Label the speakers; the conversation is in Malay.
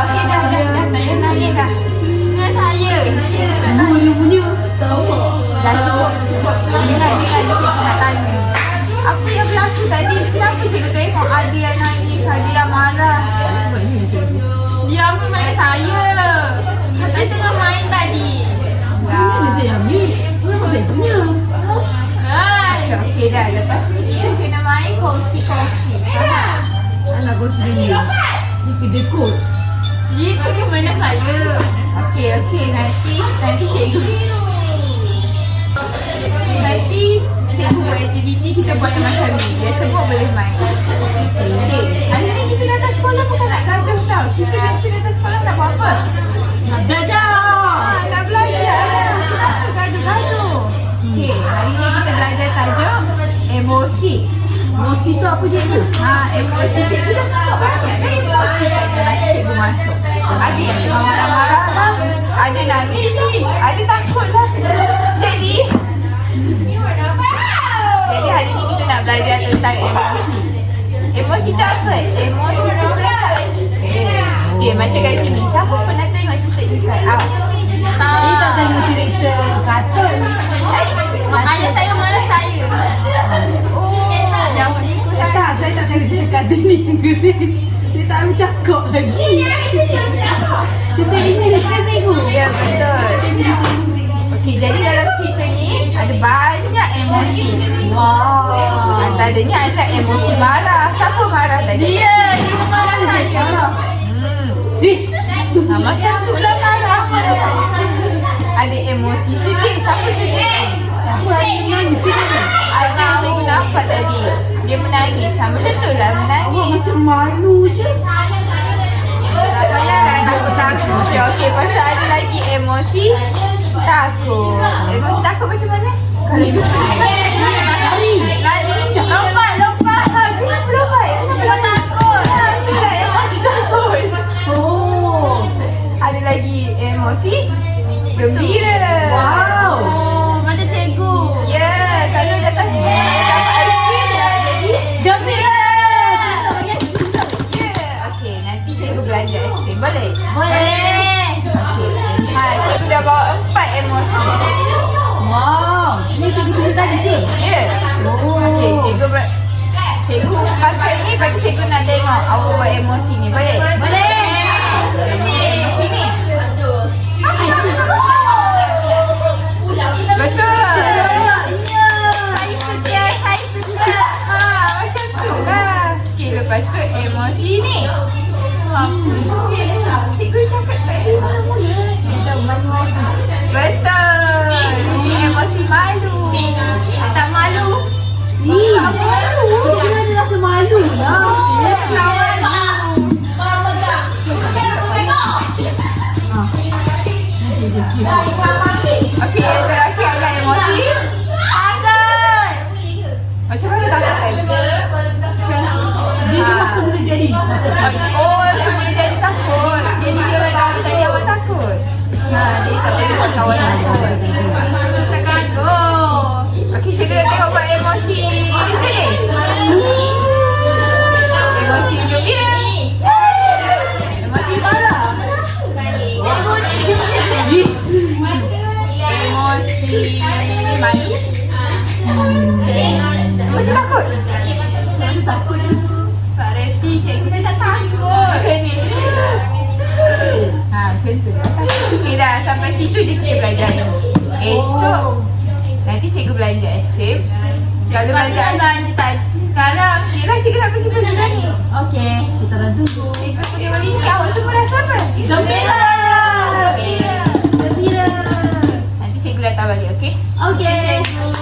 Speaker 1: Okey dah. Tak payah nangis dah. Dengan saya.
Speaker 2: Dia punya.
Speaker 1: Dah cukup. Dengar cikgu nak tanya. Apa yang berlaku tadi? Kenapa cikgu tengok Adi yang nangis, Adi yang marah? Dia ambil mana saya? Saya tengah main tadi.
Speaker 2: Mana saya ambil? Kenapa saya punya?
Speaker 1: Okey dah. Lepas ni kita kena main kongsi-kongsi.
Speaker 2: Anak kau sendiri. Ni kedai kod.
Speaker 1: Dia curi mana saya? Okey. Nanti cikgu. Nanti cikgu buat aktiviti, kita buat yang macam ni. Dia semua boleh main. Okey. Hari ni kita datang sekolah bukan nak gagas tau. Kita biasa datang sekolah nak buat apa?
Speaker 2: Nak belajar.
Speaker 1: Nak belajar. Kenapa gaduh-gaduh? Okey. Hari ni kita belajar tajuk emosi.
Speaker 2: Emosi tu apa cikgu?
Speaker 1: Emosi cikgu dah tengok banyak kan emosi masa cikgu masuk. Ada yang tengah marah-marah lah, ada nangis, ada takut lah. Jadi hari ni kita nak belajar tentang emosi. Emosi tu apa? Emosi tu perasaan kita. Okay, macam kat sini, siapa pernah tengok cerita Inside Out?
Speaker 2: Ni tak tengok cerita kartun.
Speaker 1: Ayah saya marah saya. Jauh ni ikut saya.
Speaker 2: Tak, saya tak tengok cerita kartun ni Inggeris. Saya tak boleh cakap lagi. Cerita Inggeris kan cikgu?
Speaker 1: Ya, betul.
Speaker 2: Saya tengok cerita Inggeris.
Speaker 1: Okey, jadi dalam cerita ni ada banyak emosi.
Speaker 2: Wow.
Speaker 1: Antaranya ada emosi marah. Siapa marah tadi?
Speaker 2: Dia marah saya. Sis.
Speaker 1: Macam tu lah marah. Ada emosi sedih. Siapa sedih?
Speaker 2: Siapa yang menangis kita?
Speaker 1: Ada yang cikgu nampak tadi. Dia menangis. Macam tu lah
Speaker 2: Awak
Speaker 1: menangis.
Speaker 2: macam malu je.
Speaker 1: Tak payahlah takut. Okey, pasal ada lagi emosi takut. Emosi takut macam mana? Kalau jumpa lari. Lompat. Kenapa lompat? Kenapa takut? Itulah emosi takut.
Speaker 2: Oh.
Speaker 1: Ada lagi emosi gembira.
Speaker 2: Wow.
Speaker 1: Macam cikgu. Ya, kalau datang dapat aiskrim dah jadi
Speaker 2: Gembira.
Speaker 1: ya. Okey, nanti cikgu belanja aiskrim. Boleh?
Speaker 2: Boleh.
Speaker 1: Okey. Cikgu dah bawa 4 emosi.
Speaker 2: Wow. Ni cikgu tulis tadi ke?
Speaker 1: Ya.
Speaker 2: Oh.
Speaker 1: Okey, cikgu pakai ni bagi cikgu nak tengok awak buat emosi ni. Boleh?
Speaker 2: Boleh.
Speaker 1: Emosi ni. Betul. Saya sedia. Macam tu lah. Okey, lepas tu emosi ni. Cikgu cakap tadi betul. Ini emosi malu. Tak malu.
Speaker 2: Tak malu. Kita ada rasa malu lah.
Speaker 1: Okey, yang terakhir adalah emosi takut. Macam mana takut tadi?
Speaker 2: Dia masa boleh jadi.
Speaker 1: Oh, sebelum jadi takut. Jadi dia orang tahu tadi awak takut. Dia tak boleh buat kawan takut. Tak kagum. Okey, cikgu dah tengok buat emosi sedih. Emosi gembira. Emosi marah. Emosi malu. Emosi takut. Takut dulu. Tak reti, cikgu saya tak takut. Macam ni. Macam tu. Okey dah, sampai situ je kita belajar ni. Esok nanti cikgu belanja aiskrim. Kalau belanja aiskrim sekarang, Mira cikgu nak pergi belanja ni.
Speaker 2: Okey, kita orang tunggu.
Speaker 1: Cikgu pergi beli ni, awak semua rasa apa?
Speaker 2: Gembira.
Speaker 1: Okey.
Speaker 2: Gembira.
Speaker 1: Nanti cikgu datang balik, okey?
Speaker 2: Okey.